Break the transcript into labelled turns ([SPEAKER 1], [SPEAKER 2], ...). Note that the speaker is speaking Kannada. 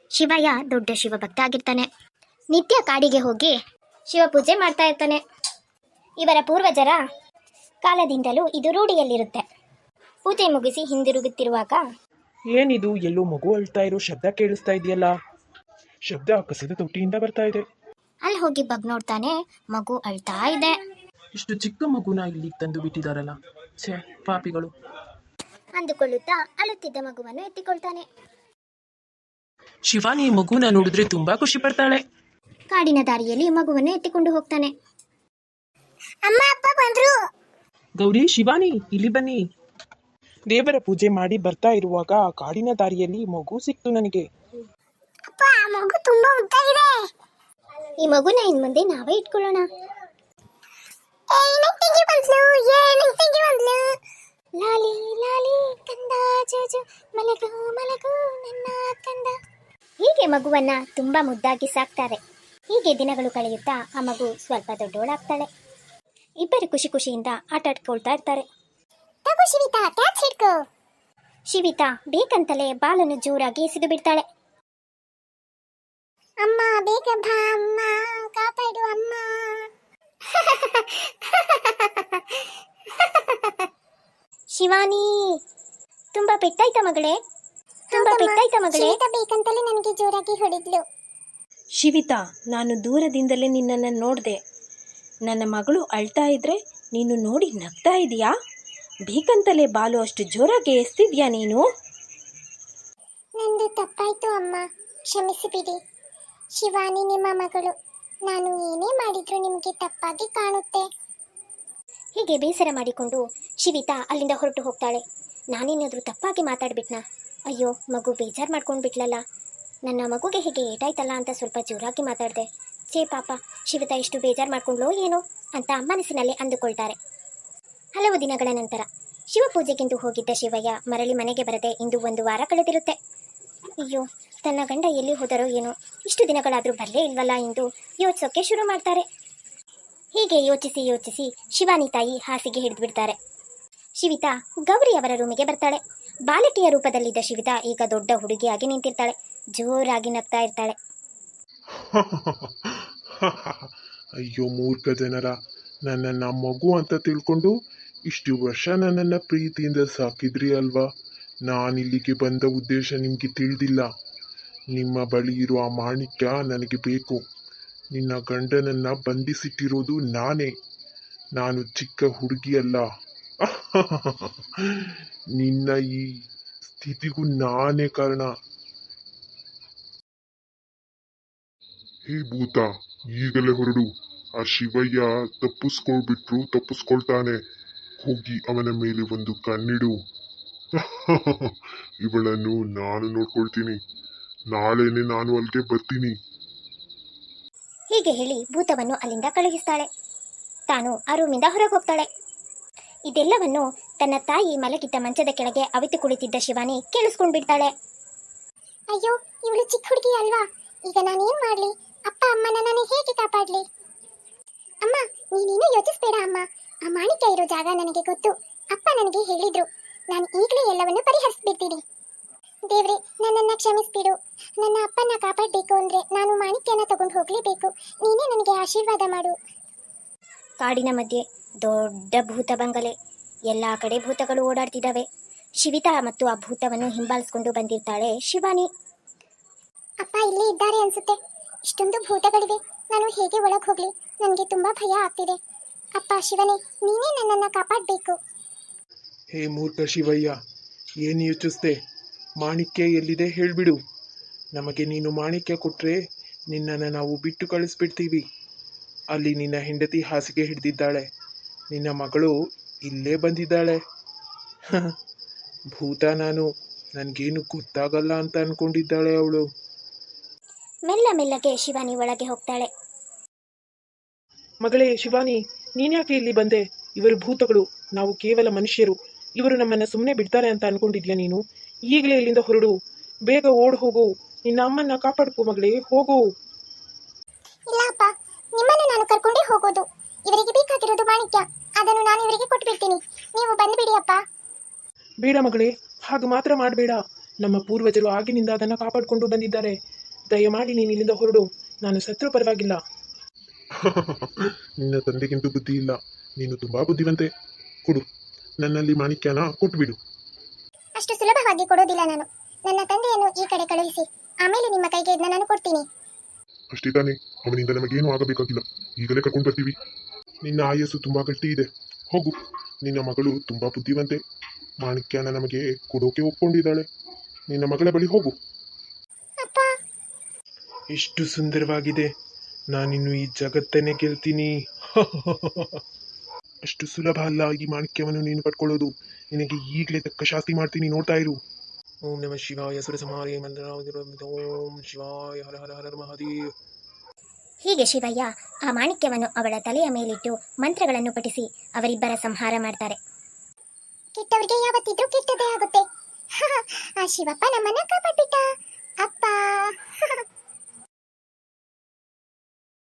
[SPEAKER 1] ಶಿವಯ್ಯ ದೊಡ್ಡ ಶಿವಭಕ್ತ ಆಗಿರ್ತಾನೆ. ನಿತ್ಯ ಕಾಡಿಗೆ ಹೋಗಿ ಶಿವಪೂಜೆ ಮಾಡ್ತಾ ಇರ್ತಾನೆ. ಇವರ ಪೂರ್ವಜರ ಕಾಲದಿಂದಲೂ ಇದು ರೂಢಿಯಲ್ಲಿರುತ್ತೆ. ಪೂಜೆ ಮುಗಿಸಿ ಹಿಂದಿರುಗುತ್ತಿರುವಾಗ
[SPEAKER 2] ಏನಿದು, ಎಲ್ಲೋ ಮಗು ಅಳ್ತಾ ಇರೋ ಶಬ್ದ ಕೇಳಿಸ್ತಾ ಇದೆಯಲ್ಲ? ಶಬ್ದ ಕಸದ ತೊಟ್ಟಿಯಿಂದ ಬರ್ತಾ ಇದೆ.
[SPEAKER 1] ಅಲ್ಲಿ ಹೋಗಿ ಬಗ್ ನೋಡ್ತಾನೆ, ಮಗು ಅಳ್ತಾ ಇದೆ.
[SPEAKER 2] ಇಷ್ಟು ಚಿಕ್ಕ ಮಗುನ ಇಲ್ಲಿಗೆ ತಂದು ಬಿಟ್ಟಿದಾರಲ್ಲ, ಛೇ ಪಾಪಿಗಳು
[SPEAKER 1] ಅಂದುಕೊಳ್ಳುತ್ತಾ ಅಳುತ್ತಿದ್ದ ಮಗುವನ್ನು ಎತ್ತಿಕೊಳ್ತಾನೆ.
[SPEAKER 2] ಶಿವಾನಿ ಮಗುನ ನೋಡಿದ್ರೆ ತುಂಬಾ ಖುಷಿ ಪಡ್ತಾಳೆ.
[SPEAKER 1] ಕಾಡಿನ ದಾರಿಯಲ್ಲಿ ಮಗುವನ್ನು ಎತ್ತಿಕೊಂಡು ಹೋಗ್ತಾನೆ. ಅಮ್ಮ ಅಪ್ಪ ಬಂದ್ರು.
[SPEAKER 2] ಗೌರಿ, ಶಿವಾನಿ ಇಲ್ಲಿ ಬನ್ನಿ. ದೇವರ ಪೂಜೆ ಮಾಡಿ ಬರ್ತಾ ಇರುವಾಗ ಕಾಡಿನ ದಾರಿಯಲ್ಲಿ ಮಗು ಸಿಕ್ತು ನನಗೆ.
[SPEAKER 1] ಅಪ್ಪ, ಆ ಮಗು ತುಂಬಾ ಉದ್ದಾಗಿದೆ. ಈ ಮಗುನ ಇನ್ ಮುಂದೆ ನಾವೇ ಇಟ್ಕೊಳ್ಳೋಣ. ಲಾಲಿ ಲಾಲಿ ಕಂದ ಜೋಜು ಮಲಗು ಮಲಗು ನನ್ನ ಕಂದ. ಹೀಗೆ ಮಗುವನ್ನ ತುಂಬಾ ಮುದ್ದಾಗಿ ಸಾಕ್ತಾರೆ. ಹೀಗೆ ದಿನಗಳು ಕಳೆಯುತ್ತಾ ಆ ಮಗು ಸ್ವಲ್ಪ ದೊಡ್ಡೋಳಾಗ್ತಾಳೆ. ಇಬ್ಬರು ಖುಷಿ ಖುಷಿಯಿಂದ ಆಟ ಆಡ್ಕೊಳ್ತಾ ಇರ್ತಾರೆ. ಶಿವಿತಾ ಬೇಕಂತಲೇ ಬಾಲನ್ನು ಜೋರಾಗಿ ಎಸೆದು ಬಿಡ್ತಾಳೆ. ಅಮ್ಮ ಬೇಗ ಬಾ ಅಮ್ಮ, ಕಾಪಾಡು ಅಮ್ಮ. ಶಿವಾನಿ, ತುಂಬಾ ಪೆಟ್ಟಾಯ್ತಾ ಮಗಳೇ? ತುಂಬಾ ಪೆಟ್ಟಾಯ್ತಾ ಮಗಳೇ? ಬೇಕಂತಲೇ ನನಗೆ ಜೋರಾಗಿ ಹೊಡೆದ್ಲು.
[SPEAKER 3] ಶಿವಿತಾ, ನಾನು ದೂರದಿಂದಲೇ ನಿನ್ನನ್ನು ನೋಡಿದೆ. ನನ್ನ ಮಗಳು ಅಳ್ತಾ ಇದ್ರೆ ನೀನು ನೋಡಿ ನಗ್ತಾ ಇದೀಯಾ? ಬೇಕಂತಲೇ ಬಾಲು ಅಷ್ಟು ಜೋರಾಗಿ ಎಸ್ತಿದ್ಯಾ ನೀನು?
[SPEAKER 1] ನಂದು ತಪ್ಪಾಯ್ತು ಅಮ್ಮ, ಕ್ಷಮಿಸಿಬಿಡಿ. ಶಿವಾನಿ ನಿಮ್ಮ ಮಗಳು. ನಾನು ಏನೇ ಮಾಡಿದ್ರು ನಿಮಗೆ ತಪ್ಪಾಗಿ ಕಾಣುತ್ತೆ. ಹೀಗೆ ಬೇಸರ ಮಾಡಿಕೊಂಡು ಶಿವಿತಾ ಅಲ್ಲಿಂದ ಹೊರಟು ಹೋಗ್ತಾಳೆ. ನಾನೇನಾದರೂ ತಪ್ಪಾಗಿ ಮಾತಾಡ್ಬಿಟ್ನಾ? ಅಯ್ಯೋ, ಮಗು ಬೇಜಾರು ಮಾಡ್ಕೊಂಡು ಬಿಟ್ಲಲ್ಲ. ನನ್ನ ಮಗುಗೆ ಹೇಗೆ ಏಟಾಯ್ತಲ್ಲ ಅಂತ ಸ್ವಲ್ಪ ಜೋರಾಗಿ ಮಾತಾಡಿದೆ. ಛೇ ಪಾಪ, ಶಿವಿತಾ ಎಷ್ಟು ಬೇಜಾರು ಮಾಡ್ಕೊಂಡ್ಲೋ ಏನೋ ಅಂತ ಮನಸ್ಸಿನಲ್ಲಿ ಅಂದುಕೊಳ್ತಾರೆ. ಹಲವು ದಿನಗಳ ನಂತರ ಶಿವಪೂಜೆಗೆಂದು ಹೋಗಿದ್ದ ಶಿವಯ್ಯ ಮರಳಿ ಮನೆಗೆ ಬರದೆ ಇಂದು 1 ವಾರ ಕಳೆದಿರುತ್ತೆ. ಅಯ್ಯೋ, ತನ್ನ ಗಂಡ ಎಲ್ಲಿ ಹೋದರೋ ಏನೋ, ಇಷ್ಟು ದಿನಗಳಾದರೂ ಬರಲೇ ಇಲ್ವಲ್ಲ ಎಂದು ಯೋಚಿಸೋಕೆ ಶುರು ಮಾಡ್ತಾರೆ. ಹೀಗೆ ಯೋಚಿಸಿ ಯೋಚಿಸಿ ಶಿವಾನಿ ತಾಯಿ ಹಾಸಿಗೆ ಹಿಡಿದು ಬಿಡ್ತಾರೆ. ಶಿವಿತಾ ಗೌರಿ ಅವರ ರೂಮಿಗೆ ಬರ್ತಾಳೆ. ಬಾಲಕಿಯ ರೂಪದಲ್ಲಿದ್ದ ಶಿವಿತಾ ಈಗ ದೊಡ್ಡ ಹುಡುಗಿಯಾಗಿ ನಿಂತಿರ್ತಾಳೆ. ಜೋರಾಗಿ ನಗ್ತಾ ಇರ್ತಾಳೆ.
[SPEAKER 4] ಅಯ್ಯೋ ಮೂರ್ಖ ಜನರ, ನನ್ನನ್ನ ಮಗು ಅಂತ ತಿಳ್ಕೊಂಡು ಇಷ್ಟು ವರ್ಷ ನನ್ನನ್ನ ಪ್ರೀತಿಯಿಂದ ಸಾಕಿದ್ರಿ ಅಲ್ವಾ? ನಾನಿಲ್ಲಿಗೆ ಬಂದ ಉದ್ದೇಶ ನಿಮ್ಗೆ ತಿಳಿದಿಲ್ಲ. ನಿಮ್ಮ ಬಳಿ ಇರುವ ಆ ಮಾಣಿಕ್ಯ ನನಗೆ ಬೇಕು. ನಿನ್ನ ಗಂಡನನ್ನ ಬಂಧಿಸಿಟ್ಟಿರೋದು ನಾನೇ. ನಾನು ಚಿಕ್ಕ ಹುಡುಗಿ ಅಲ್ಲ. ನಿನ್ನ ಈ ಸ್ಥಿತಿಗೂ ನಾನೇ ಕಾರಣ.
[SPEAKER 5] ಹೇ ಭೂತ, ಈಗಲೇ ಹೊರಡು. ಆ ಶಿವಯ್ಯ ತಪ್ಪಿಸ್ಕೊಳ್ತಾನೆ. ಹೋಗಿ ಅವನ ಮೇಲೆ ಒಂದು ಕಣ್ಣಿಡು. ಇವಳನ್ನು ನಾನು ನೋಡ್ಕೊಳ್ತೀನಿ. ನಾಳೆನೆ ನಾನು ಅಲ್ಲಿಗೆ ಬರ್ತೀನಿ.
[SPEAKER 1] ಹೀಗೆ ಹೇಳಿ ಭೂತವನ್ನು ಅಲ್ಲಿಂದ ಕಳುಹಿಸ್ತಾಳೆ. ತಾನು ಆ ರೂಮಿಂದ ಹೊರಗೆ ಹೋಗ್ತಾಳೆ. ಇದೆಲ್ಲವನ್ನು ತನ್ನ ತಾಯಿ ಮಲಗಿದ್ದ ಮಂಚದ ಕೆಳಗೆ ಅವಿತು ಕುಳಿತಿದ್ದ ಶಿವಾನಿ ಕೇಳಿಸ್ಕೊಂಡ್ ಬಿಡ್ತಾಳೆ. ಅಯ್ಯೋ, ಇವಳು ಚಿಕ್ಕ ಹುಡುಗಿ ಅಲ್ವಾ? ಈಗ ನಾನೇನ್ ಮಾಡ್ಲಿ? ಅಪ್ಪ ಅಮ್ಮನ ನಾನು ಹೇಗೆ ಕಾಪಾಡ್ಲಿ? ಅಮ್ಮ, ನೀನೇನು ಯೋಚಿಸ್ಬೇಡ ಅಮ್ಮ. ಆ ಮಾಣಿಕ್ಯ ಇರೋ ಜಾಗ ನನಗೆ ಗೊತ್ತು. ಅಪ್ಪ ನನಗೆ ಹೇಳಿದ್ರು. ನಾನು ಈಗಲೇ ಎಲ್ಲವನ್ನು ಪರಿಹರಿಸ್ಬಿಡ್ತೀನಿ. ದೇವ್ರೆ, ನನ್ನನ್ನ ಕ್ಷಮಿಸ್ಬಿಡು. ನನ್ನ ಅಪ್ಪನ ಕಾಪಾಡಬೇಕು ಅಂದ್ರೆ ನಾನು ಮಾಣಿಕ್ಯನ ತಗೊಂಡು ಹೋಗ್ಲೇಬೇಕು. ನೀನೇ ನನಗೆ ಆಶೀರ್ವಾದ ಮಾಡು. ಕಾಡಿನ ಮಧ್ಯೆ ದೊಡ್ಡ ಭೂತ ಬಂಗಲೆ. ಎಲ್ಲಾ ಕಡೆ ಭೂತಗಳು ಓಡಾಡ್ತಿದ್ದಾವೆ. ಶಿವಿತಾ ಮತ್ತು ಆ ಭೂತವನ್ನು ಹಿಂಬಾಲಿಸ್ಕೊಂಡು ಬಂದಿರ್ತಾಳೆ ಶಿವಾನಿ. ಅಪ್ಪ ಇಲ್ಲೇ ಇದ್ದಾರೆ ಅನ್ಸುತ್ತೆ. ಇಷ್ಟೊಂದು ಭೂತಗಳಿವೆ, ನಾನು ಹೇಗೆ ಒಳಗೆ ಹೋಗ್ಲಿ? ನನಗೆ ತುಂಬಾ ಭಯ ಆಗ್ತಿದೆ. ಅಪ್ಪ ಶಿವನೇ, ನೀನೇ ನನ್ನನ್ನ ಕಾಪಾಡಬೇಕು.
[SPEAKER 4] ಹೇ ಮೂರ್ಖ ಶಿವಯ್ಯ, ಏನು ಯೋಚಿಸ್ದೆ? ಮಾಣಿಕ್ಯ ಎಲ್ಲಿದೆ ಹೇಳ್ಬಿಡು. ನಮಗೆ ನೀನು ಮಾಣಿಕ್ಯ ಕೊಟ್ರೆ ನಿನ್ನನ್ನು ನಾವು ಬಿಟ್ಟು ಕಳಿಸ್ಬಿಡ್ತೀವಿ. ಅಲ್ಲಿ ನಿನ್ನ ಹೆಂಡತಿ ಹಾಸಿಗೆ ಹಿಡಿದಿದ್ದಾಳೆ. ನಿನ್ನ ಮಗಳು ಇಲ್ಲೇ ಬಂದಿದ್ದಾಳೆ. ಭೂತ ನಾನು, ನನಗೇನು ಗೊತ್ತಾಗಲ್ಲ ಅಂತ ಅನ್ಕೊಂಡಿದ್ದಾಳೆ ಅವಳು.
[SPEAKER 1] ಮೆಲ್ಲ ಮೆಲ್ಲಗೆ ಶಿವಾನಿ ಒಳಗೆ ಹೋಗ್ತಾಳೆ.
[SPEAKER 2] ಮಗಳೇ ಶಿವಾನಿ, ನೀನ್ಯಾಕೆ ಇಲ್ಲಿ ಬಂದೆ? ಇವರು ಭೂತಗಳು, ನಾವು ಕೇವಲ ಮನುಷ್ಯರು. ಇವರು ನಮ್ಮನ್ನ ಸುಮ್ಮನೆ ಬಿಡ್ತಾರೆ ಅಂತ ಅನ್ಕೊಂಡಿದ್ಯಾ ನೀನು? ಈಗಲೇ ಇಲ್ಲಿಂದ ಹೊರಡು, ಬೇಗ ಓಡ್ ಹೋಗು. ನಿನ್ನ ಅಮ್ಮನ್ನ ಕಾಪಾಡ್ಕೋ ಮಗಳೇ, ಹೋಗು.
[SPEAKER 1] ಇಲ್ಲ ಅಪ್ಪ, ನಿಮ್ಮನ್ನು ನಾನು ಕರ್ಕೊಂಡೇ ಹೋಗೋದು. ಇವರಿಗೆ ಬೇಕಾಗಿರೋದು ಮಾಣಿಕ್ಯ, ಅದನ್ನು ನಾನು ಇವರಿಗೆ ಕೊಟ್ಟು ಬಿಡ್ತೀನಿ. ನೀವು ಬಂದ್ಬಿಡಿ ಅಪ್ಪ.
[SPEAKER 2] ಬೇಡ ಮಗಳೇ, ಹಾಗೆ ಮಾತ್ರ ಮಾಡಬೇಡ. ನಮ್ಮ ಪೂರ್ವಜರು ಆಗಿನಿಂದ ಅದನ್ನು ಕಾಪಾಡಿಕೊಂಡು ಬಂದಿದ್ದಾರೆ. ದಯಮಾಡಿ ನೀನು ಇಲ್ಲಿಂದ ಹೊರಡು. ನಾನು ಸತ್ರೂ ಪರವಾಗಿಲ್ಲ.
[SPEAKER 4] ನಿನ್ನ ತಂದೆಗಿಂತೂ ಬುದ್ಧಿ ಇಲ್ಲ. ನೀನು ತುಂಬಾ ಬುದ್ಧಿವಂತೆ. ಕೊಡು, ನನ್ನಲ್ಲಿ ಮಾಣಿಕ್ಯನ ಕೊಟ್ಬಿಡು.
[SPEAKER 1] ಅಷ್ಟು ಸುಲಭವಾಗಿ ಕೊಡೋದಿಲ್ಲ ನಾನು. ನನ್ನ ತಂದೆಯನ್ನು ಈ ಕಡೆ ಕಳುಹಿಸಿ, ಆಮೇಲೆ ನಿಮ್ಮ ಕೈಗೆ ಇದನ್ನ ನಾನು ಕೊಡ್ತೀನಿ.
[SPEAKER 5] ಅಷ್ಟೇ ತಾನೇ, ಅವನಿಂದ ನಮಗೇನು ಆಗಬೇಕಾಗಿಲ್ಲ. ಈಗಲೇ ಕರ್ಕೊಂಡು ಬರ್ತೀವಿ.
[SPEAKER 4] ನಿನ್ನ ಆಯಸ್ಸು ತುಂಬಾ ಗಟ್ಟಿ ಇದೆ. ಹೋಗು, ನಿನ್ನ ಮಗಳು ತುಂಬಾ ಬುದ್ಧಿವಂತೆ. ಮಾಣಿಕ್ಯನ ನಮಗೆ ಕೊಡೋಕೆ ಒಪ್ಕೊಂಡಿದ್ದಾಳೆ. ನಿನ್ನ ಮಗಳ ಬಳಿ ಹೋಗು.
[SPEAKER 1] ಅಪ್ಪ,
[SPEAKER 2] ಎಷ್ಟು ಸುಂದರವಾಗಿದೆ. ನಾನಿನ್ನು ಈ ಜಗತ್ತನ್ನೇ ಗೆಲ್ತೀನಿ.
[SPEAKER 4] ಅಷ್ಟು ಸುಲಭ ಅಲ್ಲ ಈ ಮಾಣಿಕ್ಯವನ್ನು ನೀನು ಪಡ್ಕೊಳ್ಳೋದು. ನಿನಗೆ ಈಗಲೇ ತಕ್ಕ ಶಾಸ್ತಿ ಮಾಡ್ತೀನಿ, ನೋಡ್ತಾ ಇರು.
[SPEAKER 2] ಓಂ ನಮಃ ಶಿವಾಯ ಸುರಸಂಹಾರೇ ಓಂ ಶಿವಾಯ ಹರ ಹರ ಹರ ಮಹಾದೇವ್.
[SPEAKER 1] ಹೀಗೆ ಶಿವಯ್ಯ ಆ ಮಾಣಿಕ್ಯವನ್ನು ಅವಳ ತಲೆಯ ಮೇಲಿಟ್ಟು ಮಂತ್ರಗಳನ್ನು ಪಠಿಸಿ ಅವರಿಬ್ಬರ ಸಂಹಾರ ಮಾಡ್ತಾರೆ. ಕೆಟ್ಟವರಿಗೆ ಯಾವತ್ತಿದ್ರೂ ಕೆಟ್ಟದೇ ಆಗುತ್ತೆ. ಆ ಶಿವಪ್ಪ ನಮ್ಮನ್ನ ಕಾಪಾಡ್ಬಿಟ್ಟ. ಅಪ್ಪ